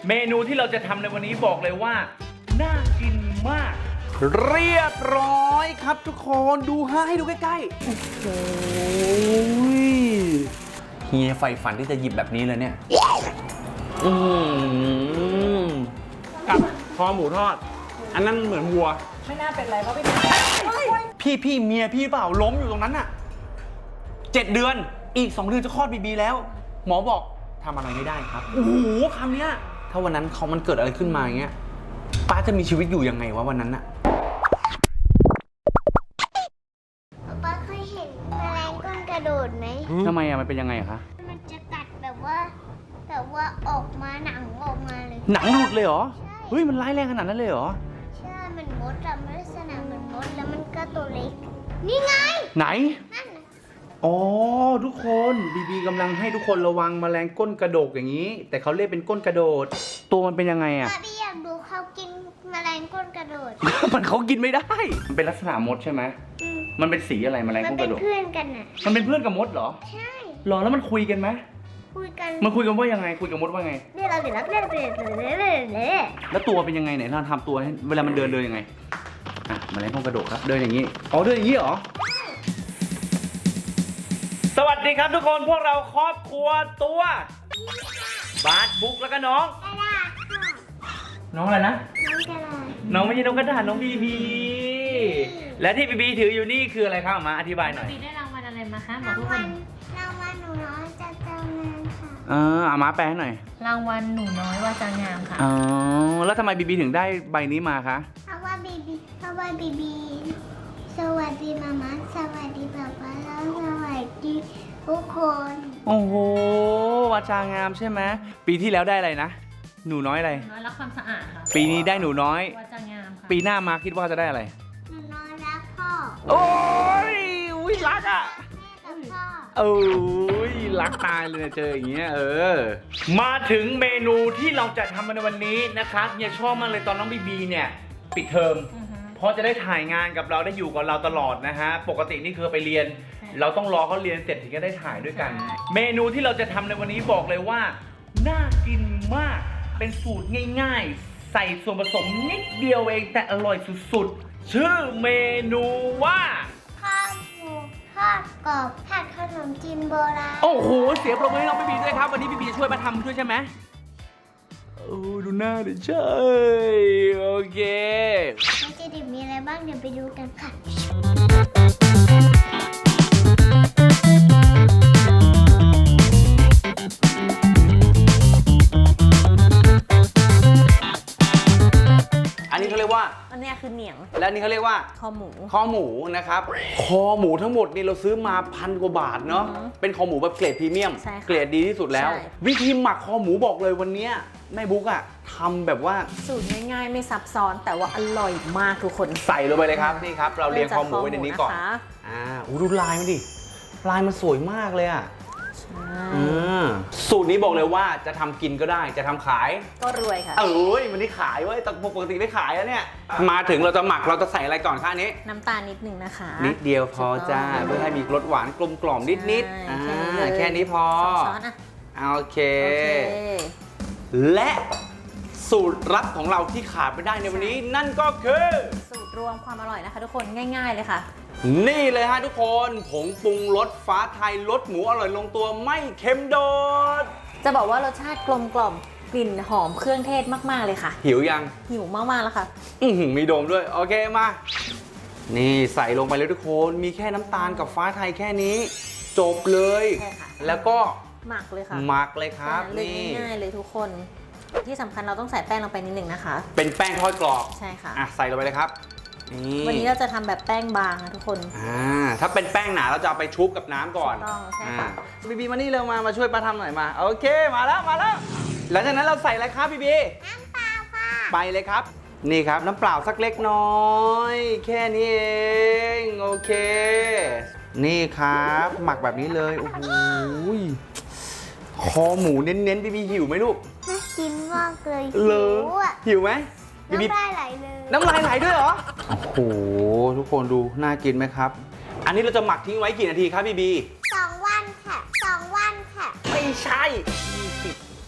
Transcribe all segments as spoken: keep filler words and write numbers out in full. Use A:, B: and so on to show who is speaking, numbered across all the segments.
A: เมนูที่เราจะทำในวันนี้บอกเลยว่าน่ากินมากเรียบร้อยครับทุกคนดูฮะให้ดูใกล้ๆโอ้โหเฮียใฝ่ฝันที่จะหยิบแบบนี้เลยเนี่ยอืม
B: กับคอหมูทอดอันนั้นเหมือนวัว
C: ไม่น่าเป็นไรเพราะพี่
A: พี่พี่เมียพี่เปล่าล้มอยู่ตรงนั้นน่ะเจ็ดเดือนอีกสองเดือนจะคลอดบีบีแล้ว หมอบอกทำอะไรไม่ได้ครับโอ้โหคำเนี้ยถ้าวันนั้นเขามันเกิดอะไรขึ้นมาอย่างเงี้ยป้าจะมีชีวิตอยู่ยังไงวะวันนั้นน่ะ
D: ป้าเคยเห็นแมลงก้นกระโดดไหม
A: ทำไมอะมันเป็นยังไงคะ
D: มันจะกัดแบบว่าแบบว่าออกมาหนังออกมาเลย
A: หนังหลุดเลยเหรอ
D: ใช่
A: เฮ้ยมันร้ายแรงขนาดนั้นเลยเหรอ
D: ใช่มันมดอะมันลักษณะเหมือนมดแล้วมันก็ตัวเล็กนี่ไง
A: ไหน
D: นั่นน่ะ
A: อ๋อทุกคนบีบีกำลังให้ทุกคนระวังแมลงก้นกระโดกอย่างนี้ แต่เขาเรียกเป็นก้นกระโดด ตัวมันเป็นยังไงอะ
D: ป้าพี่อยากดูเขากินแมลงก้นกระโดด
A: มันเขากินไม่ได้ มันเป็นลักษณะมดใช่ไหม
D: อืม
A: มันเป็นสีอะไรแมลง
D: มัน
A: ก้นก
D: เป็น
A: ระโดด
D: เพื่อนกันน่ะ
A: มันเป็นเพื่อนกับมดเหรอ
D: ใช่
A: หรอแล้วมันคุยกันไหม
D: คุยกัน
A: มันคุยกันว่ายังไงคุยกับมดว่าไง
D: เดี๋ยวเราเดี๋ยวเราเดี๋ยวเราเดี๋ยวเราเดี๋ยวเราเดี๋ยวเรา
A: แล้วตัวเป็นยังไงไหนเราทำตัวให้เวลามันเดินเดินยังไงอ่ะแมลงก้นกระโดดครับเดินอย่างนี้อ๋อเดินอย่างนี้เหรอสวัสดีครับทุกคนพวกเราครอบครัวตัวบาสบุ๊กแล้วก็น้อง
D: กระดาษค่ะ
A: น้องอะไรนะ
D: น้องกระดาษ
A: น้องไม่ใช่น้องกระดาษน้องบีบีและที่บีบีถืออยู่นี่คืออะไรครับมาอธิบายหน่อย
C: ปีได้รางวัลอะไรมาคะบอ
D: ราก ง
C: ทุกค
D: วัน ลรางวัลหนูน้อยจากเจ้านายค่ะ
A: เออเอามาแปลให้หน่อย
C: รางวัลหนูน้อยวาจางามค่ะ
A: อ๋อแล้วทำไมบีบีถึงได้ใบนี้มาคะ
D: เพราะว่าบีบีเพราะว่าบีบีสวัสดีมาม่าสวัสดีป๊าป๊าแล้วสวัสดีทุกคน
A: โอ้โหวาจางามใช่ไหมปีที่แล้วได้อะไรนะหนูน้อยอะไร
C: หนูน้อยรักความสะอาดค่ะ
A: ปีนี้ได้หนูน้อย
C: วาจางามค่ะ
A: ปีหน้ามาคิดว่าจะได้อะไร
D: หนูน้อยรักพ่อ
A: โอ้ยอุ้ยรักอ่ะ
D: แม่กับพ่อ
A: โอ้ยรักตายเลยเจออย่างเงี้ยเออ มาถึงเมนูที่เราจะทำในวันนี้นะครับเนี่ยชอบมากเลยตอนน้องบีบีเนี่ยปิดเทอม
C: อือฮึ
A: เพราะจะได้ถ่ายงานกับเราได้อยู่กับเราตลอดนะฮะปกตินี่คือไปเรียน เราต้องรอเขาเรียนเสร็จถึงจะได้ถ่ายด้วยกัน เมนูที่เราจะทำในวันนี้บอกเลยว่าน่ากินมากเป็นสูตรง่ายๆ ใส่ส่วนผสมนิดเดียวเองแต่อร่อยสุดๆชื่อเมนูว่า
D: ข้าวหมูทอดกรอบผัดขนมจีนโบราณ
A: โอ้โห เสียงปรบมือให้น้องบีบีด้วยครับ วันนี้บีบีจะช่วยมาทำด้วยใช่ไหมโอ้ดูหน้าดิใช่โอเค
D: มันจะดิบมีอะไรบ้างเดี๋ยวไปดูกันค่ะ
A: อันนี้เขาเรียกว่า
C: อันเนี้ยคือเหนียง
A: และอันนี้เขาเรียกว่า
C: คอหมู
A: คอหมูนะครับ คอหมูทั้งหมดนี่เราซื้อมาพันกว่าบาทเนาะ
C: อือฮึ
A: เป็นคอหมูแบบเกรดพรีเมียม
C: ใช่ค่ะ
A: เกรดดีที่สุดแล้ว
C: ใช่
A: วิธีหมักคอหมูบอกเลยวันเนี้ยแม่บุ๊กอะทำแบบว่า
C: สูตรง่ายๆ ไม่ซับซ้อนแต่ว่าอร่อยมากทุกคน
A: ใส่ลงไปเลยครับนี่ครับ เราเรียงคอหมูไว้ในนี้ก่อน
C: เริ่มจากคอหมูนะคะ
A: อ่าอู้ดูลายมันดิ ลายมันสวยมากเลยอะ
C: ใช่
A: อืมสูตรนี้บอกเลยว่าจะทำกินก็ได้จะทำขาย
C: ก็รวยค่ะ
A: เอ้ยวันนี้ขายเว้ยแต่ปกติไม่ขายแล้วเนี่ย มาถึงเราจะหมักเราจะใส่อะไรก่อนคะอันนี้
C: น้ำตาลนิดนึงนะคะ
A: นิดเดียวพอจ้าเพื่อให้มีรสหวานกลมกล่อมนิดนิด
C: ใช่
A: อ่า
C: แค่นี้เลย
A: แค่นี้พอ
C: สองช้อนอ่ะ
A: โอเค
C: โอเค
A: และสูตรลับของเราที่ขาดไม่ได้ในวันนี้ นั่นก็คือ
C: สูตรรวมความอร่อยนะคะ ทุกคนง่าย ๆเลยค่ะ
A: นี่เลยฮะทุกคนผงปรุงรสฟ้าไทยรสหมูอร่อยลงตัวไม่เค็มโดด
C: จะบอกว่ารสชาติกลมกล่อมกลิ่นหอมเครื่องเทศมากๆเลยค่ะ
A: หิวยัง
C: หิวมากๆแล้วค่ะ
A: อือหือมีโดมด้วย โอเคมา นี่ใส่ลงไปเลยทุกคนมีแค่น้ำตาลกับฟ้าไทยแค่นี้ จบเลย
C: ใช่ค่ะ
A: แล้วก็
C: หมักเลยค่ะ
A: หมักเลยครับ
C: แนั้นเลย
A: นี่
C: ง่ายๆเลยทุกคน ที่สำคัญเราต้องใส่แป้งลงไปนิดหนึ่งนะคะ
A: เป็นแป้งทอดกรอบ
C: ใช่ค่ะ
A: อ่ะใส่ลงไปเลยครับนี่
C: วันนี้เราจะทำแบบแป้งบางนะทุกคน
A: อ่าถ้าเป็นแป้งหนาเราจะเอาไปชุบกับน้ำก่อน
C: ถูกต้องใช่ค่ะ
A: อ่าบีบีมานี่เร็วมามาช่วยป้าทำหน่อยมาโอเคมาแล้วมาแล้วหลังจากนั้นเราใส่อะไรครับบีบี
D: น้ำเปล่าค่ะ
A: ไปเลยครับ นี่ครับน้ำเปล่าสักเล็กน้อย แค่นี้เองโอเค นี่ครับหมักแบบนี้เลยโอ้โหคอหมูเน้นๆบีบีหิวไหมลูก
D: น่ากินมากเลย
A: เล
D: หิ
A: ยว
D: อ่ะ
A: หิวไหมบีบี
D: น้ำลายไหลเลย
A: น้ำลายไหลด้วยเหรอโอ้โหทุกคนดูน่ากินไหมครับ อันนี้เราจะหมักทิ้งไว้กี่นาทีครับบีบี
D: สองวันค่ะสองวันค่ะ
A: ไม่ใช่
D: ยี่สิบ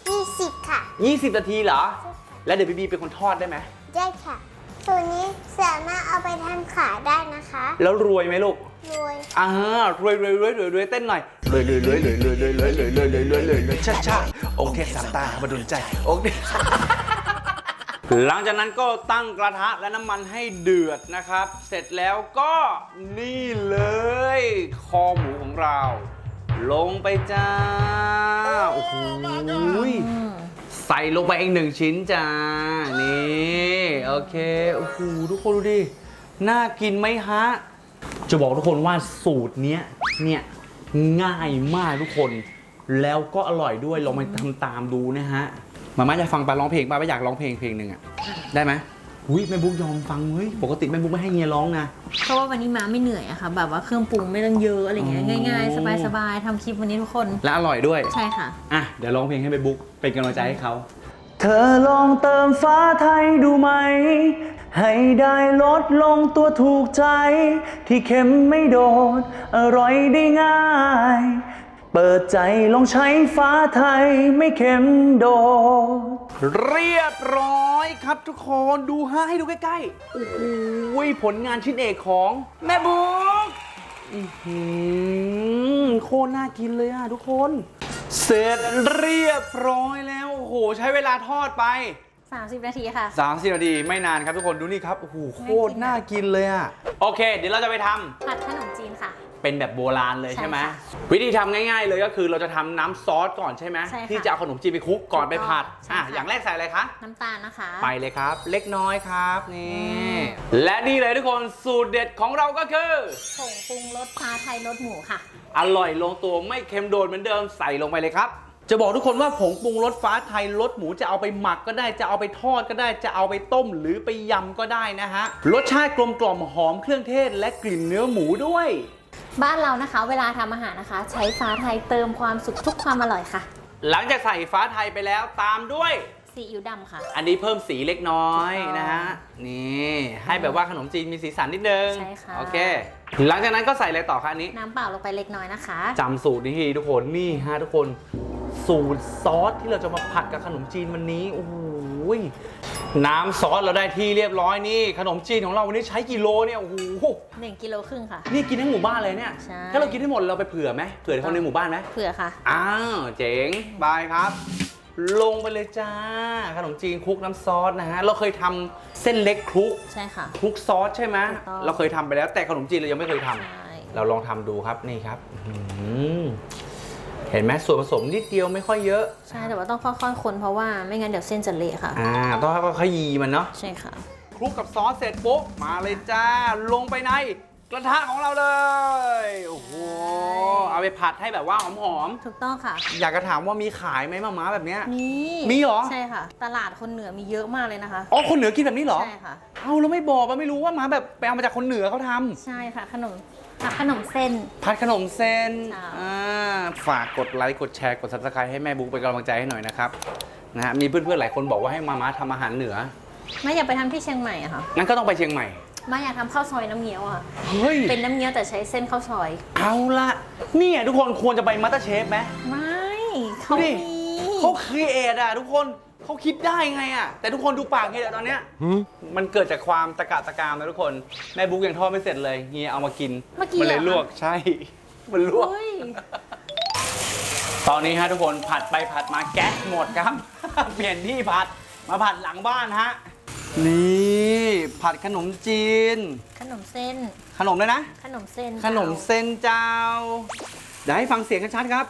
D: สิบค่ะ
B: ยี่สิบนาทีเหรอ แล้วเดี๋ยวบีบีเป็นคนทอดได้ไหม
D: ได้ค่ะส่วนนี้สามารถเอาไปทำขาได้นะคะ
B: แล้วรวยไหมลูก
D: รวย
B: อ่ารวยรวยรวยรวยรวยเต้นหน่อยรวยรวยรวยรวยรวยรวยรวยรวยรวยรวยรวยรวยรวยช้าช้าองค์เทพสามตามาดลใจองค์เทพหลังจากนั้นก็ตั้งกระทะและน้ำมันให้เดือดนะครับ เสร็จแล้วก็นี่เลยคอหมูของเรา ลงไปจ้าโอ้โหใส่ลงไปอีกหนึ่งชิ้นจ้านี่โอเคโอ้โหทุกคนดูดิน่ากินไหมฮะจะบอกทุกคนว่าสูตรเนี้ยเนี่ยง่ายมากทุกคนแล้วก็อร่อยด้วยลองมาทำตามดูนะฮะมาม่าจะฟังปาร้องเพลงปาไม่อยากร้องเพลงเพลงหนึ่งอะได้ไหมอุ้ยแม่บุ๊กยอมฟังเฮ้ยปกติแม่บุ๊กไม่ให้เงียร้องนะ
C: เพราะว่าวันนี้ม้าไม่เหนื่อยอะค่ะ แบบว่าเครื่องปรุงไม่ต้องเยอะอะไรเงี้ยง่ายๆ สบายๆทำคลิปวันนี้ทุกคน
B: และอร่อยด้วย
C: ใช่ค่ะ
B: อ่ะเดี๋ยวร้องเพลงให้แม่บุ๊กเป็นกำลังใจให้เขาเธอลองเติมฟ้าไทยดูไหมให้ได้ลดลงตัวถูกใจ ที่เค็มไม่โดดอร่อยได้ง่าย เปิดใจลองใช้ฟ้าไทยไม่เค็มโดดเรียบร้อยครับทุกคนดูฮะให้ดูใกล้ๆโอ้โหผลงานชิ้นเอกของแม่บุ๊กอื้อหือโคตรน่ากินเลยอ่ะทุกคน เสร็จเรียบร้อยแล้วโอ้โหใช้เวลาทอดไป
C: สามสิบนาทีค่ะ
B: สามสิบนาทีไม่นานครับทุกคนดูนี่ครับโอ้โหโคตรน่ากินเลยอ่ะโอเคเดี๋ยวเราจะไปทำ
C: ผัดขนมจีนค่ะ
B: เป็นแบบโบราณเลยใช่ไหม
C: ใช่ค่ะ
B: วิธีทำง่ายๆเลยก็คือเราจะทำน้ำซอสก่อนใช่ไหม
C: ใช่ค่ะ
B: ที่จะเอาขนมจีนไปคลุกก่อนไปผัด
C: ใช่
B: อ่ะ
C: ค่ะ
B: อย่างแรกใส่อะไรคะ
C: น้ำตาลนะคะ
B: ไปเลยครับ เล็กน้อยครับนี่
C: อืม
B: และนี่เลยทุกคนสูตรเด็ดของเราก็คือ
C: ผงปรุงรสฟ้าไทยรสหมูค่ะ
B: อร่อยลงตัวไม่เค็มโดดเหมือนเดิมใส่ลงไปเลยครับ จะบอกทุกคนว่าผงปรุงรสฟ้าไทยรสหมูจะเอาไปหมักก็ได้จะเอาไปทอดก็ได้จะเอาไปต้มหรือไปยำก็ได้นะฮะรสชาติกลมกล่อมหอมเครื่องเทศและกลิ่นเนื้อหมูด้วย
C: บ้านเรานะคะ เวลาทำอาหารนะคะ ใช้ฟ้าไทยเติมความสุขทุกความอร่อยค่ะ
B: หลังจากใส่ฟ้าไทยไปแล้วตามด้วย
C: ซีอิ๊วดำค่ะ
B: อันนี้เพิ่มสีเล็กน้อย
C: ถูกต้อง
B: นะฮะนี่ให้แบบว่าขนมจีนมีสีสันนิดนึง
C: ใช่ค่ะ
B: โอเค หลังจากนั้นก็ใส่อะไรต่อคะอันนี้
C: น้ำเปล่าลงไปเล็กน้อยนะคะ
B: จำสูตรนี้ให้ดีทุกคนนี่ฮะทุกคนสูตรซอสที่เราจะมาผัดกับขนมจีนวันนี้โอ้โหน้ำซอสเราได้ที่เรียบร้อยนี่ขนมจีนของเราวันนี้ใช้กิโลเนี่ยโอ้โห
C: หนึ่งกิโลครึ่งค่ะ
B: นี่กินทั้งหมู่บ้านเลยเนี่ย
C: ใช่
B: ถ้าเรากินให้หมดเราไปเผื่อไหมเผื่อคนในหมู่บ้านไหม
C: เผื่อค่ะ
B: อ้าวเจ๋งบายครับ ลงไปเลยจ้าขนมจีนคลุกน้ำซอสนะฮะเราเคยทำเส้นเล็กคลุก
C: ใช่ค่ะ
B: คลุกซอสใช่ไหม
C: ถูกต้อง
B: เราเคยทำไปแล้วแต่ขนมจีนเรายังไม่เคยทำ
C: ใช่
B: เราลองทำดูครับนี่ครับอื้อหือเห็นไหมส่วนผสมนิดเดียวไม่ค่อยเยอะ
C: ใช่แต่ว่าต้องค่อยๆคนเพราะว่าไม่งั้นเดี๋ยวเส้นจะเละค่ะ
B: อ่าต้องค่อยๆขยี้มันเนาะ
C: ใช่ค่ะ
B: คลุกกับซอสเสร็จปุ๊บมาเลยจ้าลงไปในกระทะของเราเลยโอ้โหเอาไปผัดให้แบบว่าหอม
C: ถูกต้องค่ะ
B: ๆอยากจะถามว่ามีขายไหมมาม่าแบบเนี้ย
C: มี
B: มีเหรอ
C: ใช่ค่ะ ตลาดคนเหนือมีเยอะมากเลยนะคะ
B: อ๋อคนเหนือกินแบบนี้เหรอ
C: ใช่ค่ะ
B: เอาแล้วไม่บอกว่าไม่รู้ว่ามาแบบไปเอามาจากคนเหนือเขาทำ
C: ใช่ค่ะ ขนมผัดขนมเส้น
B: ผัดขนมเส้น
C: ใช่
B: อ่าฝากกดไลค์กดแชร์กด ซับสไครบ์ ให้แม่บุ๊กเป็นกำลังใจให้หน่อยนะครับนะฮะมีเพื่อนๆหลายคนบอกว่าให้มาม่าทำอาหารเหนือ
C: ไม่อยากไปทำที่เชียงใหม่อะค่ะ
B: งั้นก็ต้องไปเชียงใหม่
C: ไม่อยากทำข้าวซอยน้ำเงี้ยวอะ
B: เฮ้ย
C: เป็นน้ำเงี้ยวแต่ใช้เส้นข้าวซอย
B: เอาละเนี่ยทุกคนควรจะไปมัตเตอร์เชฟไหม
C: ไม่เขา
B: ดูดิ
C: มี
B: เขาครีเอทอะทุกคนเขาคิดได้ไงอะแต่ทุกคนดูปากเฮียตอนเนี้ยมันเกิดจากความตะกะตะกามนะทุกคนแม่บุ๊กยังทอดไม่เสร็จเลยเฮียเอามากิน
C: เมื่อกี้
B: มันเลย
C: หรอ
B: ลวกใช่ มันลวก
C: เฮ้ย
B: ตอนนี้ฮะทุกคนผัดไปผัดมาแก๊สหมดครับ เปลี่ยนที่ผัดมาผัดหลังบ้านฮะนี่ผัดขนมจีน
C: ขนมเส้น
B: ขนมเลยนะ
C: ขนมเส้น
B: ขนมเส้นเจ้าเดี๋ยวให้ฟังเสียงกันชัดครับ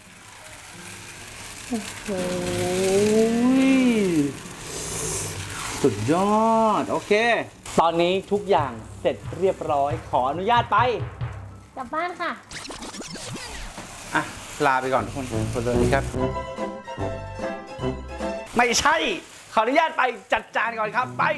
B: โอ้ยสุดยอดโอเค ตอนนี้ทุกอย่างเสร็จเรียบร้อยขออนุญาตไป
C: กลับบ้านค่ะ
B: อ่ะลาไปก่อนทุกคนสวัสดีครับ ไม่ใช่ ขออนุญาตไปจัดจานก่อนครับ ไป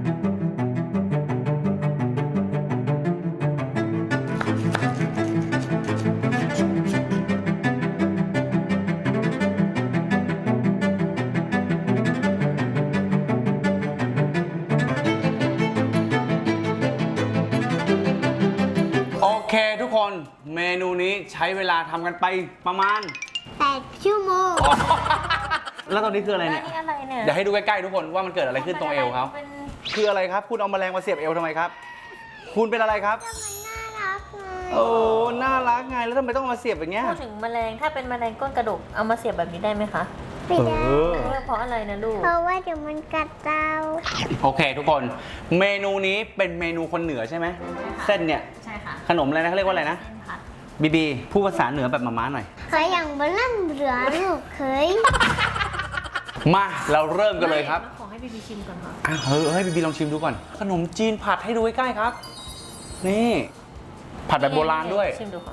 B: โอเคทุกคนเมนูนี้ใช้เวลาทำกันไปประมาณ
D: แปดชั่วโมง
B: แล้วตอนนี้คืออะไรเนี่ย
C: นี่อะไรเนี่ย
B: เดี๋ยวให้ดูใกล้ๆทุกคนว่ามันเกิดอะไรขึ้นตรงเอวเขา
C: เป็น
B: คืออะไรครับ คุณเอาแมลงมาเสียบเอวทำไมครับ คุณเป็นอะไรครับ
D: มันน่ารักไง
B: โอ้ น่ารักไง แล้วทำไมต้องเอามาเสียบอย่างเงี้ย
C: พูดถึงแมลงถ้าเป็นแมลงก้นกระดกเอามาเสียบแบบนี้ได้ไหมคะ
D: ไม่ได้
B: เออ
C: เพราะอะไรนะลูก
D: เพราะว่าเดี๋ยวมันกัดเรา
B: โอเคทุกคน เมนูนี้เป็นเมนูคนเหนือใช่ไหม เส้นเนี่ย
C: ใช่ค่ะ
B: ขนมอะไรนะเขาเรียกว่าอะไรนะ
C: เส้นผัด
B: บีบีพูดภาษาเหนือแบบมาม่าหน่อย
D: เคยอย่างบลันเหลือลูกเคย
B: มาเราเริ่มกันเลยครับ
C: ไม่ขอให้บีบีชิมก่อนค่ะ
B: อ่ะเฮ้ยให้บีบีลองชิมดูก่อน ขนมจีนผัดให้ดูใกล้ๆครับ นี่ ผัดแบบโบราณด้วย
C: ชิมดูค่ะ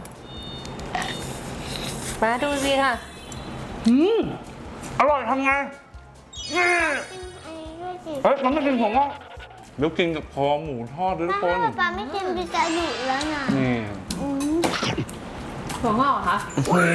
C: มาดูสิค่ะ
B: อืมอร่อยทำไง
D: กินอันนี้ด้วยสิ
B: เฮ้ยมันไม่กินผมอ่ะเดี๋ยวกินกับคอหมูทอดด้วยทุ
D: ถ้าก
B: คน
D: ป๊าไม่กินบีจะดุแล้วนะ
B: นี่
D: อืม
C: ถั่วงอกเหรอคะ
B: อื้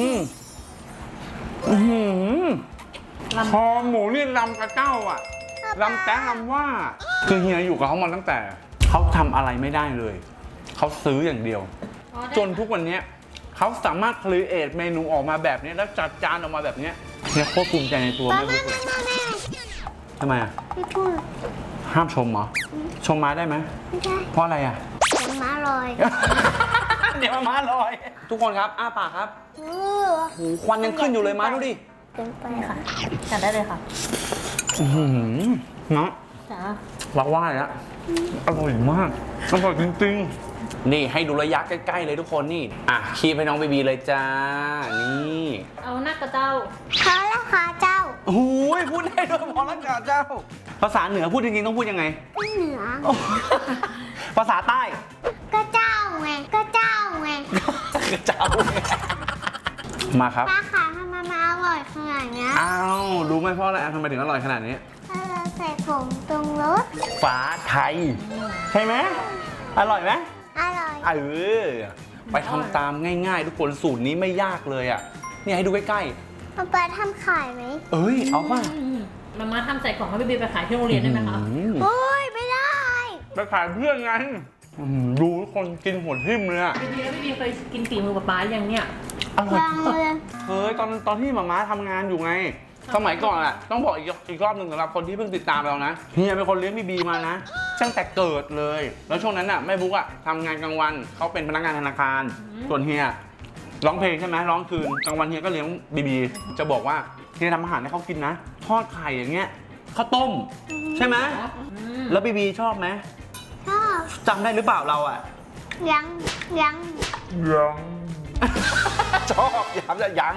B: อหือ
C: ลำ
B: คอหมูนี่ลำกระเจ้าอ่ะลำแต้งลำว่า คือเฮียอยู่กับเขามาตั้งแต่ เขาทำอะไรไม่ได้เลย เขาซื้ออย่างเดียว จนทุกวันนี้เขาสามารถครีเอทเมนูออกมาแบบนี้แล้วจัดจานออกมาแบบนี้เฮียโคตรภูมิใจในตัว
D: ป๊า
B: แม่
D: แม่
B: บุ๊กเลย
D: แม่แม่
B: ทำไมอ่ะ
D: พี่พูด
B: ห้ามชมเหรอ ชมมาได้ไหม
D: ไม่ได้
B: เพราะอะไรอ่ะ
D: ผมมาลอย
B: เดี๋ยวมาลอย ทุกคนครับ อ้าปากครับ
D: เออ
B: โอ้โหควันยังขึ้นอยู่เลยมาดูดิ
D: เกินไป
C: นี่ค่ะจัดได้เลยค่ะ
B: อื้อหือเนาะ
C: จ้า
B: รักว่าเลยอะอร่อยมาก อร่อยจริงๆ นี่ให้ดูระยะใกล้ๆเลยทุกคนนี่ อ่ะคีบให้น้องบีบีเลยจ้า นี่
C: เอาหน้ากระเจ้า
D: เขาราคาเจ้า
B: โอ้ยพูดได้ด้วยพอแล้วจ้าเจ้า ภาษาเหนือพูดจริงๆต้องพูดยังไง
D: ก็เหนือ
B: ภาษาใต้
D: ก็เจ้าไงก็เจ้าไง
B: เจ้า มาครับ
D: ป้าขาทำไมมาอร่อยขนาดเนี้ย
B: อ้าวรู้ไหมเพราะอะไรทำไมถึงอร่อยขนาดนี้
D: ถ้าเราใส่ผงตรงรส
B: ฟ้าไทย ใช่ไหมอร่อยไหม
D: อร่อย
B: เออไปทำตามง่ายๆ ทุกคนสูตรนี้ไม่ยากเลยอ่ะเนี่ยให้ดูใกล้
D: ป๊าป๊าทำขายไหม
B: ๆ เอ้ย เอาป่ะ
C: มาม่าทำใส่กล่องให้บีบีไปขายที่โรงเรียนได้ไหมคะ
B: อืม
D: โอ้ยไม่ได้
B: ไปขายเพื่อนไงอืมดูทุกคนกินหัวทิ่มเลยอ่ะ
C: บีบีแล้วบีบีเคยกินฝีมือป๊าป๊ายังเนี่ย
B: อร่อย
D: วางเลย
B: เฮ้ยตอนตอนที่หมาม้าทำงานอยู่ไง สมัยก่อนอ่ะ ต้องบอกอีกอีกรอบหนึ่งสำหรับคนที่เพิ่งติดตามเรานะเฮียเป็นคนเลี้ยงบีบีมานะ ตั้งแต่เกิดเลย แล้วช่วงนั้นอ่ะแม่บุ๊กอ่ะทำงานกลางวันเขาเป็นพนักงานธนาคาร ส่วนเฮียร้องเพลงใช่ไหมร้องคืนกลางวันเฮียก็เลี้ยงบีบีจะบอกว่าเฮียทำอาหารให้เขากินนะ ทอดไข่อย่างเงี้ยข้าวต้ม ใช่ไหมแล้วบีบีชอบไหม
D: ชอบ
B: จำได้หรือเปล่าเราอ่ะ
D: ยังยัง
B: ยัง ชอบย้ำจะยัง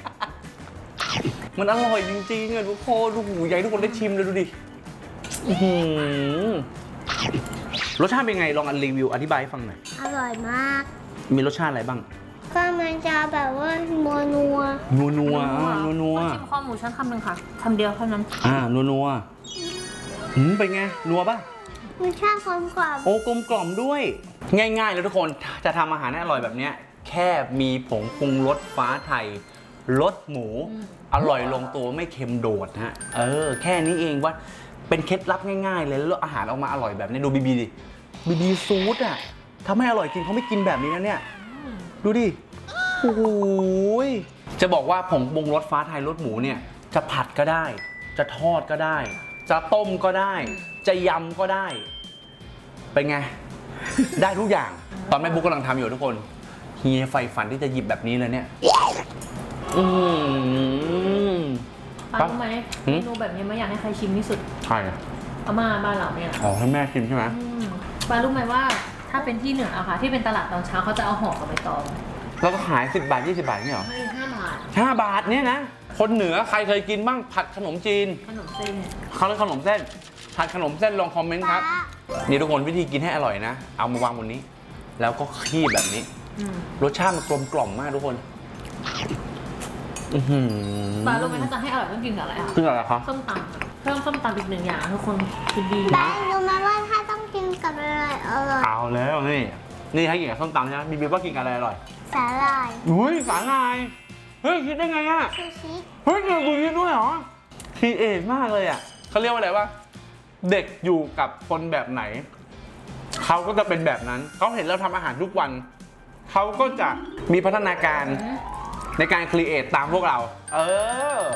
B: มันอร่อยจริงๆอ่ะทุกคนดูหูใหญ่ทุกคนได้ชิมเลยดูดิอื้อหือรสชาติเป็นไงลองอันรีวิวอธิบายให้ฟังหน่อย
D: อร่อยมาก
B: มีรสชาติอะไรบ้าง
D: ก็มันจะแบบว่านัวนัว
B: นัวนัวอ่านัวนัว
C: ขอชิมข้อหมูชั้นคำหนึ่งค่ะคำเดียวเท่านั้น
B: อ่านัวนัวหืมเป็นไงนัวป่ะ
D: มันชาติความกรอบ
B: โอ้กลมกล่อมด้วย ง่ายๆเลยทุกคนจะทำอาหารให้อร่อยแบบเนี้ยแค่มีผงปรุงรสฟ้าไทยรสหมู อร่อยลงตัวไม่เค็มโดดฮะเออ แค่นี้เองว่าเป็นเคล็ดลับง่ายๆเลยแล้วอาหารออกมาอร่อยแบบนี้ดูบีบีดิบีบีซูดอ่ะทำให้อร่อยจริงเขาไม่กินแบบนี้นะเนี่ยดูดิโอ้โหยจะบอกว่าผงปรุงรสฟ้าไทยรสหมูเนี่ยจะผัดก็ได้ จะทอดก็ได้ จะต้มก็ได้ จะยำก็ได้ เป็นไง ได้ทุกอย่าง ตอนแม่บุ๊กกำลังทำอยู่ทุกคนเฮียใฝ่ฝันที่จะหยิบแบบนี้เลยเนี่ยอืม
C: ป๊ารู้ไหม
B: หืม
C: เมนูแบบนี้ไม่อยากให้ใครชิมที่สุด
B: ใช่อะ
C: อาม่าบ้านเราเนี่ย
B: อ๋อให้แม่ชิมใช่ไหม
C: อืมป๊ารู้ไหมว่าถ้าเป็นที่เหนืออะค่ะ ที่เป็นตลาดตอนเช้าเขาจะเอาห่อกับใบตอง
B: แล้วก็ขายสิบบาทยี่สิบบาทนี่เหรอ
C: ให้ห้าบาท
B: ห้าบาทเนี่ยนะ คนเหนือใครเคยกินบ้างผัดขนมจีน
C: ขนมเส้น
B: เขาเรียกขนมเส้น ผัดขนมเส้นลองคอมเมนต์ครับ นี่ทุกคนวิธีกินให้อร่อยนะ เอามาวางบนนี้ แล้วก็คีบแบบนี้
C: อืม
B: รสชาติมันกลมกล่อมมากทุกคน อื้อหือ
C: ป๊ารู้ไหมถ้าจะให้อร่อยต้องกินกับอะไรอะ
B: คืออะไรคะ
C: ส้มตำค่ะเพิ่มส้มตำอีกหนึ่งอย่างทุกคนคือดี
D: ป๊ารู้ไหมว่าถ้าต้องกินกับอะไรอร่อย
B: เอาแล้วนี่ นี่ให้กินกับส้มตำใช่ไหมบีบีว่ากินกับอะไรอร่อย
D: สาหร่าย
B: อุ้ยสาหร่าย เฮ้ยคิดได้ไงอะ
D: ซูชิ
B: เฮ้ยเกิดกูคิดด้วยเหรอคีเอทมากเลยอะเขาเรียกว่าอะไรวะเด็กอยู่กับคนแบบไหน เขาก็จะเป็นแบบนั้น เขาเห็นเราทำอาหารทุกวัน เขาก็จะมีพัฒนาการในการครีเอทตามพวกเรา เออ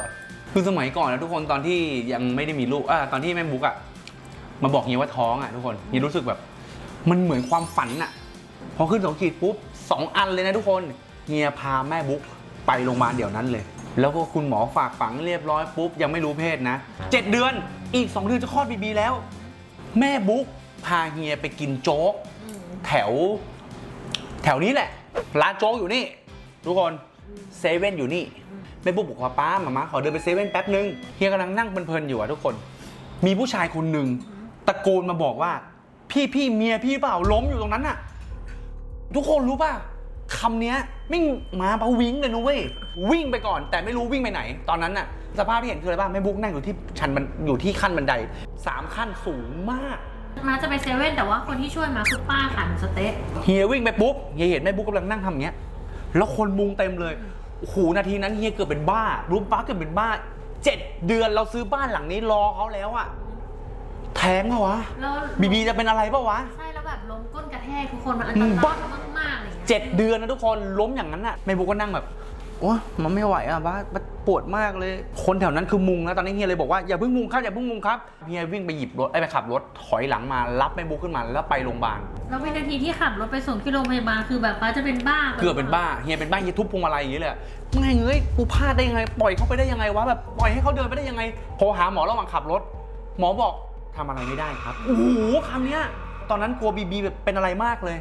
B: คือสมัยก่อนนะทุกคนตอนที่ยังไม่ได้มีลูกอ่าตอนที่แม่บุ๊กอ่ะมาบอกเฮียว่าท้องอ่ะทุกคนเฮียรู้สึกแบบมันเหมือนความฝันอ่ะพอขึ้นสองขีดปุ๊บสองอันเลยนะทุกคนเฮียพาแม่บุ๊กไปโรงพยาบาลเดี๋ยวนั้นเลยแล้วก็คุณหมอฝากฝังเรียบร้อยปุ๊บยังไม่รู้เพศนะเจ็ดเดือนอีกสองเดือนจะคลอดบีบีแล้วแม่บุ๊กพาเฮียไปกินโจ๊กแถวแถวนี้แหละร้านโจ๊กอยู่นี่ทุกคนเซเว่นอยู่นี่แม่บุ๊กบอกว่าป้ามามาขอเดินไปเซเว่นแป๊บนึงเฮียกำลังนั่งเพลินๆอยู่อะทุกคนมีผู้ชายคนหนึ่งตะโกนมาบอกว่าพี่พี่เมียพี่เปล่าล้มอยู่ตรงนั้นอะทุกคนรู้ป่ะคำเนี้ยไม่มาปะวิ่งเลยนะเว้ยวิ่งไปก่อนแต่ไม่รู้วิ่งไปไหน ตอนนั้นน่ะสภาพที่เห็นคืออะไรบ้างแม่บุ๊กนั่งอยู่ที่ชันมันอยู่ที่ขั้นบันไดสามขั้นสูงมาก
C: มาจะไปเซเว่นแต่ว่าคนที่ช่วยมาคือป้าขายหมูสะเต๊ะ
B: เฮียวิ่งไปปุ๊บเฮียเห็นแม่บุ๊กกำลังนั่งทำอย่างเงี้ยแล้วคนมุงเต็มเลยโอ้โหนาทีนั้นเฮียเกือบเป็นบ้ารู้ป้าเกือบเป็นบ้าเจ็ดเดือนเราซื้อบ้านหลังนี้รอเขาแล้วอะแท้งเหรอวะ
C: แล้ว
B: บีบีจะเป็นอะไรเปล่าวะ
C: ใช่แล้วแบบล้มก้นกระแทกทุกคนมันอันตรายมากๆเลย
B: เจ็ดเดือนนะทุกคนล้มอย่างนั้นน่ะแม่บุ๊กก็นั่งแบบโอ้มันไม่ไหวอ่ะบ้าปวดมากเลยคนแถวนั้นคือมุงแล้วตอนนี้เฮียเลยบอกว่าอย่าเพิ่งมุงครับอย่าเพิ่งมุงครับเฮียวิ่งไปหยิบรถไอ้ไปขับรถถอยหลังมารับแม่บุ๊กขึ้นมาแล้วไปโรงพยาบาล
C: แล้ววินาทีที่ขับรถไปส่งที่โรงพยาบาลคือแบบป้าจะเป็นบ้า
B: เกือบเป็นบ้าเฮียเป็นบ้าเฮียทุบพวงมาลัยอย่างนี้เลยไม่เงยกูพลาดได้ยังไงปล่อยเขาไปได้ยังไงวะแบบปล่อยให้เขาเดินไปได้ยังไงโทรหาหมอระหว่างขับรถหมอบอกทำอะไรไม่ได้ครับโอ้โหคำเนี้ยตอนนั้นกลัวบีบีแบบเป็นอะไรมากเลย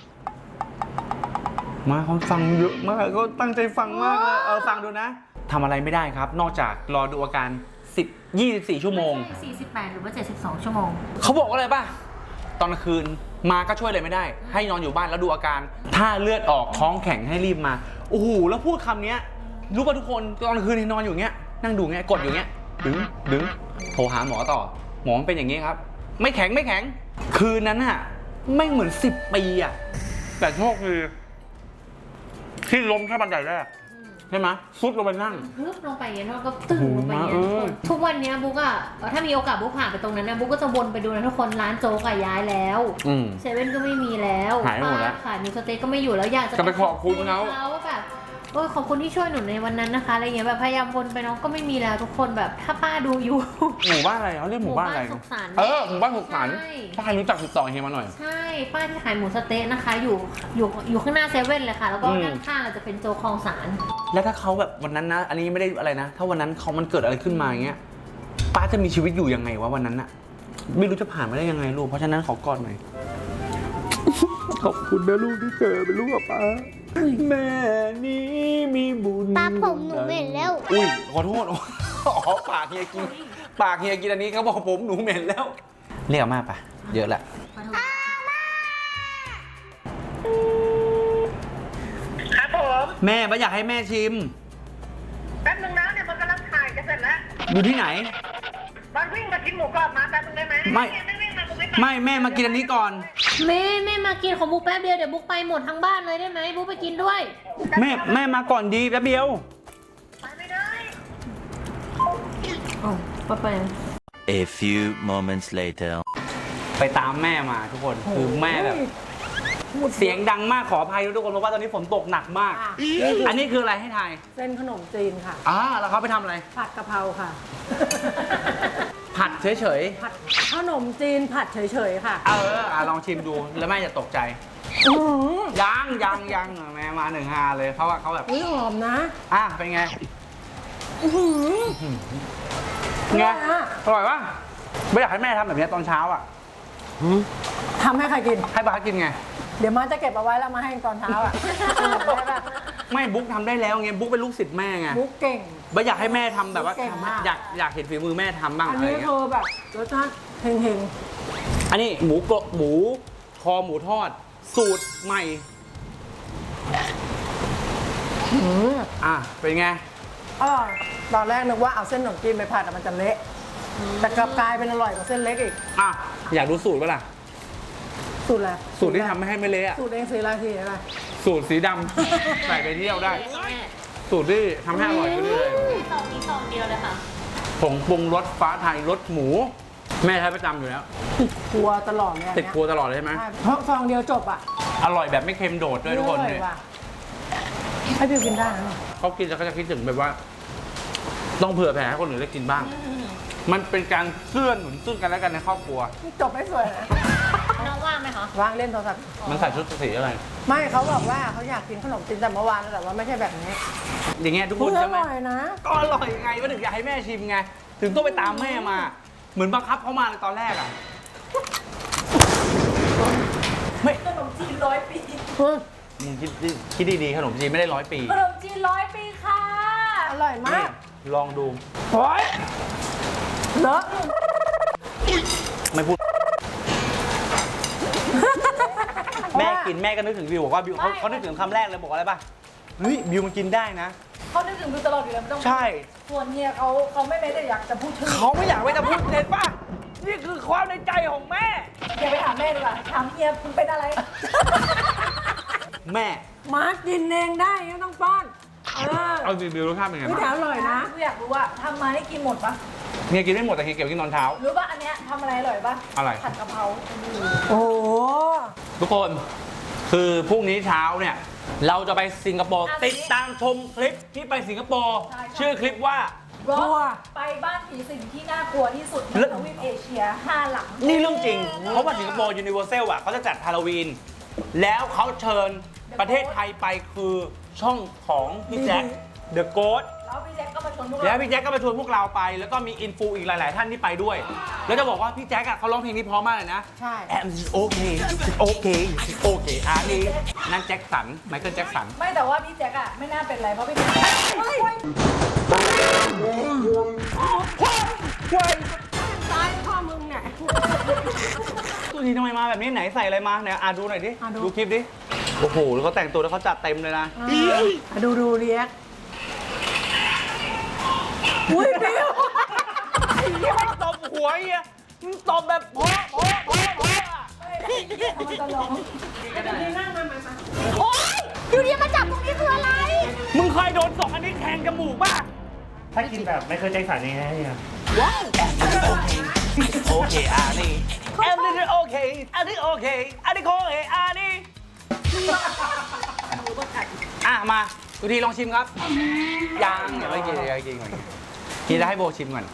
B: มาเขาฟังเยอะมากก็ตั้งใจฟังมากเลยเออฟังดูนะทำอะไรไม่ได้ครับนอกจากรอดูอาการสิบ ยี่สิบสี่ชั่วโมง
C: สี่สิบแปดหรือว่าเจ็ดสิบสองชั่วโมง
B: เขาบอกว่าอะไรป่ะตอนกลางคืนมาก็ช่วยอะไรไม่ได้ ให้นอนอยู่บ้านแล้วดูอาการถ้าเลือดออกท้องแข็งให้รีบมาโอ้โหแล้วพูดคำนี้รู้ป่ะทุกคนตอนกลางคืนนอนอยู่เงี้ยนั่งดูเงี้ยกดอยู่เงี้ยดึงดึงโทรหาหมอต่อหมอเป็นอย่างงี้ครับไม่แข็งไม่แข็งคืนนั้นอะไม่เหมือนสิบปีอะแต่โชคดีที่ล้มแค่บันไดแรกใช่ไหมซุดลงไปนั่ง
C: พึบลงไปอย่างนี้แล้วก็ตึงลงไปอย่างนี้
B: โอ้โห
C: ทุกวันนี้บุ๊กอะถ้ามีโอกาสบุ๊กผ่านไปตรงนั้นนะบุ๊กก็จะวนไปดูนะทุกคนร้านโจ๊กอะย้ายแล้ว
B: อืม
C: เซเว่นก็ไม่มีแล้ว
B: หายไปหมดแล้ว
C: ขายมิวสเต็กก็ไม่อยู่แล้วอยากจะ
B: จะไปขอบคุณเขา
C: ว่าแบบโอ้ยขอบคุณที่ช่วยหนูในวันนั้นนะคะอะไรเงี้ยแบบพยายามวนไปเน้องก็ไม่มีแล้วทุกคนแบบถ้าป้าดูอยู่
B: หมู่บ้านอะไรเขาเรียกหมู่บ้านอะไร
C: สุขสันต์
B: เออหมู่บ้านสุขสันต์
C: ใช่
B: ถ้าใครรู้จักติดต่อเฮียมาหน่อย
C: ใช่ป้าที่ขายหมูสะเต๊ะนะคะ อยู่อยู่อยู่ข้างหน้าเซเว่นเลยค่ะ แล้วก็
B: อืม
C: ด้านข้างจะเป็นโจ๊กคลองสาร
B: แล้วถ้าเขาแบบวันนั้นนะ อันนี้ไม่ได้อะไรนะ ถ้าวันนั้นเขามันเกิดอะไรขึ้นมาอย่างเงี้ยป้าจะมีชีวิตอยู่ยังไงวะวันนั้นอะไม่รู้จะผ่านมาได้ยังไงลูกเพราะฉะนั้นขอกอดหน่อย ขอบคุณนะลูกที่เจอเป็นลูกกับป้าแม่นี้มีบุญ
D: ตาผมหนูเหม็นแล้ว
B: อุ้ยขอโทษ อ๋อปากเฮียกินปากเฮียกินอันนี้เขาบอกผมหนูเหม็นแล้วเรียกอามาปะเยอะแหละ
E: ครับผม
B: แม่ป้าอยากให้แม่ชิม
E: แป๊บนึงนะเนี่ยมันกำลังถ่ายจะเสร็จแล้ว
B: อยู่ที่ไหน
E: มันวิ่งมากินหมูกรอบมาแป๊บนึงได้ไหม
B: ไม่
E: ไม่วิ่งมากูไม่ไป
B: ไม่แม่มากินอันนี้ก่อน
C: แม่แม่มากินของบุ๊กแป๊บเดียวเดี๋ยวบุ๊กไปหมดทั้งบ้านเลยได้ไหมบุ๊กไปกินด้วย
B: แม่แม่มาก่อนดีแป๊บเดียว
E: ไปไม่ได้
C: อ๋อป้าไป
F: A few moments later.
B: ไปตามแม่มาทุกคนคือแม่แบบเสียงดังมากขออภัยทุกคนเพราะว่าตอนนี้ฝนตกหนักมาก อันนี้คืออะไรให้ทาย
G: เส้นขนมจีนค่ะ
B: อ่าแล้วเขาไปทำอะไร
G: ผัดกะเพราค่ะ
B: ผัดเฉย
G: ผัดขนมจีนผัดเฉยๆค่ะ
B: ๆเอออ่ะลองชิมดูแล้วแม่จะตกใจ
G: อื้อหือ
B: ยังยังยังแม่มาหนึ่งฮาเลยเพราะว่าเขาแบบ
G: อุ๊ยหอมนะ
B: อ่ะเป็นไง
G: อื้อหือ
B: ไง
G: อร่อยอะ
B: อร่อยปะไม่อยากให้แม่ทำแบบนี้ตอนเช้าอ่ะ
G: ทำให้ใครกิน
B: ให้ป้ากินไง
G: เดี๋ยวมันจะเก็บเอาไว้แล้วมาให้ตอนเช้าอ่ะได้ปะ
B: ไม่บุ๊กทำได้แล้วไงบุ๊กเป็นลูกศิษย์แม่ไง
G: บุ๊กเก่ง
B: ไม่อยากให้แม่ทำแบบว่า
G: เก่งมาก
B: อยากอยากเห็นฝีมือแม่ทำบ้าง
G: อัน
B: อะไร
G: นี้
B: เงี้
G: คื
B: ย
G: อแบบรสชาติเฮง
B: อันนี้หมูกรอบหมูคอหมูทอด สูตรใหม่
G: ๆหืม
B: อ่ะเป็นไง
G: อร่อยตอนแรกนึกว่าเอาเส้นขนมจีนไปผัดอะมันจะเละ แต่กลับกลายเป็นอร่อยกว่าเส้นเล็กอีก
B: อ่ะอยากดูสูตรปะล่ะ
G: สูตรอะไร
B: สูตรที่ทำให้ไม่เละอะ
G: สูตรเองสีราทีอะไร
B: สูตรสีดำ ใส่ไปเที่ยวได้ สูตรที่ทำให้อร่อยขึ้นเลย
C: ซองนี้ซองเดียวเลยค่ะ
B: ผงปรุงรสฟ้าไทยรสหมู แม่ใช้ประจำอยู่แล้ว
G: ติดครัวตลอดเลยอัน
B: ติด
G: เนี้ย
B: ครัวตลอดเลยใช่ไหม
G: ใช่เพราะฟองเดียวจบอ่ะ
B: อร่อยแบบไม่เค็มโดดด้วยทุกคน
G: เล
B: เนี่ย ย
G: ว่ะให้บิวกินได้นะเนี่ย
B: เขากินแล้วก็จะคิดถึงแบบว่าต้องเผื่อแผ่ให้คนอื่นได้กินบ้าง มันเป็นการเกื้อหนุนซึ่งกันและกันในครอบครัว
G: นี่จบไม่สวยนะ
C: น้องว่างไหมคะ
G: วางเล่นโทรศัพท์
B: มันใส่ชุดสีอะไร
G: ไม่เขาบอกว่าเขาอยากกินขนมจีนแต่เมื่อวานแต่ว่าไม่ใช่แบบนี้
B: อย่างเงี้ยทุกค
G: คุ
B: น
G: ณอ
B: ใช่ไหม
G: ร่อยนะ
B: ก็อร่อยไงว่าถึงอยากให้แม่ชิมไง ถึงต้องไปตามแม่มา เหมือนบังคับเขามาเลยตอนแรกอ่ะ ไม่
C: ขนมจีนร้อยปี
B: มึงคิดดิคิดดีๆขนมจีนไม่ได้ร้อยปี
C: ขนมจีนร้อยปีค่ะ
G: อร่อยมาก
B: ลองดู
G: โอ้ยเลอะ
B: ไม่พูด แม่กินแม่ก็นึกถึงบิวบอกว่าบิวเขาเขานึกถึงคำแรกเลยบอกอะไรป่ะ เฮ้ยบิวมันกินได้นะ
C: เขานึกถึงดูตลอดอยู่แล้วไม่ต้อง
B: ใช่
C: ส่วนเฮียเขาเขาไม่แม้แต่อยากจะพูดชื่อ
B: เขาไม่อยากไปจะพูดเห็นป่ะ นี่คือความในใจของแม่
C: อย่าไปถามแม่ดีกว่าถามเฮียคุณเป็นอะไร
B: แม่
G: มากินเองได้ไม่ต้องป้อน เออ
B: เอาจริงบิวรสชาติเป็นไง
G: ไม่
B: บ้าง
G: แต่อร่อยนะ
C: อยากรู้ว่าทำมาได้กินหมดปะ
B: เฮียกินไม่หมดแต่เฮียเก็บไว้กินตอนเช้า
C: รู้ป่ะอันเนี้ยทำอะไรอร่อยปะ
B: อะไร
C: ผัดกะเพรา
G: โอ้โห
B: ทุกคน คือพรุ่งนี้เช้าเนี่ย เราจะไปสิงคโปร์ติดตามชมคลิปที่ไปสิงคโปร์ชื่อคลิปว่า
C: รถไปบ้านผีสิงที่น่ากลัวที่สุดในทวีปเอเชียห้าหลัง
B: นี่เรื่องจริง เพราะว่าสิงคโปร์ยูนิเวอร์แซลอ่ะเขาจะจัดฮาโลวีน แล้วเขาเชิญประเทศไทยไปคือช่องของพี่แจ็คเดอะโกส
C: แล้วพี่แจ็คก็มาชวนพวก
B: แล้ว
C: เรา
B: พี่แจ็คก็มาชวนพวกเราไป แล้วก็มีอินฟูอีกหลาย ๆ ท่านที่ไปด้วย แล้วจะบอกว่าพี่แจ็คอะเขาร้องเพลงนี้เพราะมากเลยนะ
G: ใช่
B: I'm okay okay okay อันนี้นั่นแจ็คสันไมเคิลแจ็คสัน
C: ไม่แต่ว่าพี่แจ็คอะไม่น่าเป็นไรเพราะพี่แจ็คเฮ้ย
G: ตายพ่อมึงเนี่ย
B: ตัวนี้ทำไมมาแบบนี้ไหนใส่อะไรมาเนี่ยอ่ะดูหน่อยดิ
G: อ่ะดู
B: ดูคลิปดิ โอ้โห แล้วเขาแต่งตัวแล้วเขาจัดเต็มเลยนะ
G: อ่ะดูดูเรียกอุ้ยเดียว
B: ไม่ตบหัวเฮียมึงตบแบบโป๊ะโป๊ะโป๊ะโป๊ะอะ
C: มันจะร้อง
D: โอ๊ยอยู่ดีมาจับตรงนี้คืออะไร
B: มึงเคยโดนสองอันนี้แทงจมูกป่ะ
H: ถ้ากินแบบไม่เคยใจสั่นยังไงเนี่ย
B: โอเคอันนี้อันนี้โอเคอันนี้โอเคอันนี้โอเคอันนี้อ่ะมาดูทีลองชิมครับยังเดี๋ยวไม่กินเดี๋ยวไม่กินก่อนกินแล้วให้โบชิมก่อน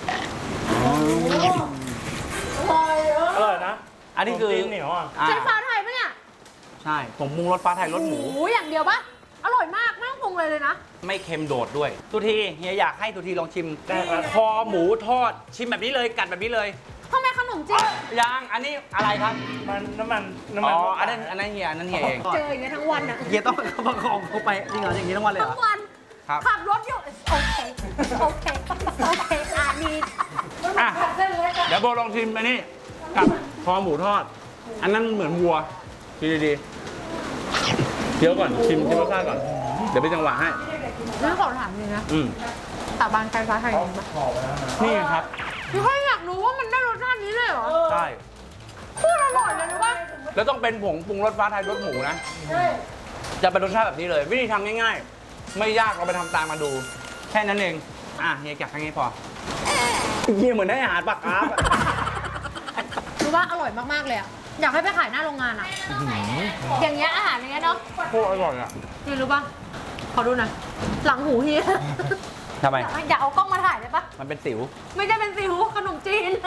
H: อร่อยนะ
B: อันนี้คือ
H: ขมจีนเหนียวอ่ะ
B: อ่า
C: ใช้ฟ้าไทยปะเนี่ย
B: ใช่ผมปรุงรสฟ้าไทยรสหมู
C: หมูอย่างเดียวปะอร่อยมากไม่ต้องปรุงเลยเลยนะ
B: ไม่เค็มโดดด้วยตุทีเฮียอยากให้ตุทีลองชิม
H: ได้ครับ
B: คอหมูทอดชิมแบบนี้เลยกัดแบบนี้เลย
C: ทำไมขนมจีน
B: ยังอันนี้อะไรครับ
H: มันน้ำมันน้ำ
B: อ๋
H: มัน
B: ออันนั้นอันนั้นเฮียอันนั้นเฮียเอง
C: เจออย่างเงี้ยทั้งวันอะ
B: เฮียต้องประคองเขาไปจริงเหรออย่างนี้ทั้งวันเลยเหร
C: ทั้
B: อ
C: งวัน
B: ครับ
C: ขับรถอยู่โอเคโอเคโอเคอ่ะมี
B: อ่ะ
C: เส้นเล็กอะ
B: เดี๋ยวโบลองชิมอันนี้กับคอหมูทอด อันนั้นเหมือนวัวดีดีๆเคี้ยวก่อนชิมชิมรสชาติก่อน เดี๋ยวไปจังหวะให้
C: นี่ขอถามจริงนะ
B: อืม
C: สาบานใช้ฟ้าไทยจริงปะ
B: นี่ไงครับ
C: พี่ค่อยอยากรู้ว่ามันได้รสชาตินี้เลยเหรอ
B: ใช่
C: โคตรอร่อยเลยนะว่า
B: แล้วต้องเป็นผงปรุงรสฟ้าไทยรสหมูนะ จะเป็นรสชาติแบบนี้เลย วิธีทำง่ายๆ ไม่ยากเราไปทำตามมาดู แค่นั้นเอง อ่ะเฮียแกะแค่นี้พอเฮียเหมือนได้อาหารปลาคาร์ฟอะ
C: รู้ว่าอร่อยมากๆเลยอะอยากให้ไปขายหน้าโรงงานอะอย่างเงี้ยอาหารอย่างเงี้ยเนาะ
B: โคตรอร่อยอ่ะ
C: นี่รู้ป่ะขอดูหน่อยหลังหูเฮีย
B: ทำไม
C: อยากเอากล้องมาถ่ายได้ปะ
B: มันเป็นสิว
C: ไม่ใช่เป็นสิวขนมจีน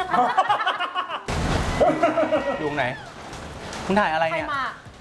B: อยู่ตรงไหนคุณถ่ายอะไร
C: ใคร
B: เนี่ย
C: มา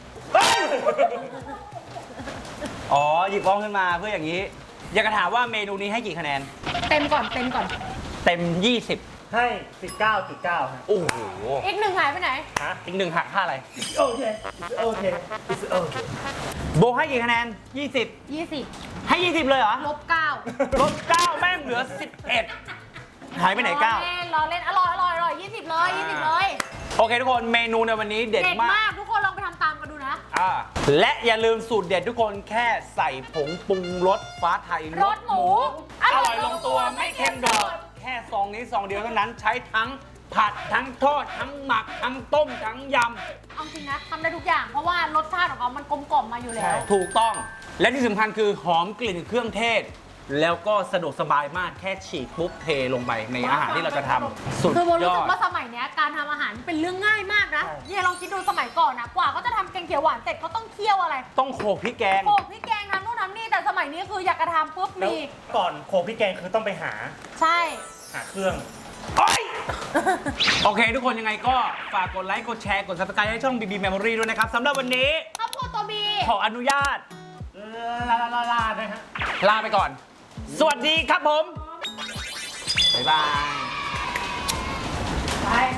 B: อ๋อ หยิบกล้องขึ้นมาเพื่ออย่างนี้ อยากจะถามว่าเมนูนี้ให้กี่คะแนน
C: เต็มก่อนเต็มก่อน
B: เต็ม ยี่สิบ
H: ให้ สิบเก้าจุดเก้าครับ
B: โอ้โห
C: อีกหนึ่งหายไปไหน
H: ฮะ
B: อีกหนึ่งหักค่าอะไร
H: โอเค โอเค it's okay
B: โบให้กี่คะแนน ยี่สิบ
C: ยี่สิบ
B: ให้ ยี่สิบ เลยเหรอ
C: ลบเก้า
B: ลบเก้าแม่งเหลือ สิบเอ็ด หายไปไหนเก้า
C: รอเล่นรอเล่นอร่อยอร่อยอร่อยยี่สิบเลยยี่สิบเลย
B: โอเคทุกคนเมนูในวันนี้เด็ด
C: เด็ด
B: มาก
C: มากทุกคนลองไปทำตามกันดูนะ
B: อ่าและอย่าลืมสูตรเด็ดทุกคนแค่ใส่ผงปรุงรสฟ้าไทย
C: รสหมู
B: อร่อยลงตัวไม่เค็มโดดแค่ซองนี้ซองเดียวเท่านั้นใช้ทั้งผัดทั้งทอดทั้งหมักทั้งต้มทั้งย
C: เอาจริงนะทำได้ทุกอย่างเพราะว่ารสชาติของเขามันกลมกล่อมมาอยู่แล้ว
B: ำถูกต้อง และที่สำคัญคือหอมกลิ่นเครื่องเทศ แล้วก็สะดวกสบายมากแค่ฉีกปุ๊บเทลงไปในอาหารที่เราจะทำสุด
C: คือโบ
B: ย
C: รู้
B: อ
C: สึ
B: ด
C: กว่าสมัยเนี้ยการทำอาหารเป็นเรื่องง่ายมากนะเนี่ยลองคิดดูสมัยก่อนนะกว่าเขาจะทำแกงเขียวหวานเสร็จเขาต้องเคี่ยวอะไร
B: ต้องโขลกพริกแกง
C: โขลกพริกแกงทำนู่นทรั้งนี้แต่สมัยนี้คืออยากกระทำปุ๊บ
H: แล้ว
C: มี
H: ก่อนโขลกพริกแกงคือต้องไปหา
C: ใช่
H: หาเครื่อง
B: โอเค ทุกคนยังไงก็ฝากกดไลค์ กดแชร์ กด ซับสไครบ์ ให้ช่อง บี บี Memory ด้วยนะครับสำหรับวันนี้
C: ครอบครัวตัวบี
B: ขออนุญาต
H: ลาลาลาลานะฮะ
B: ลาไปก่อน สวัสดีครับผม บ๊ายบาย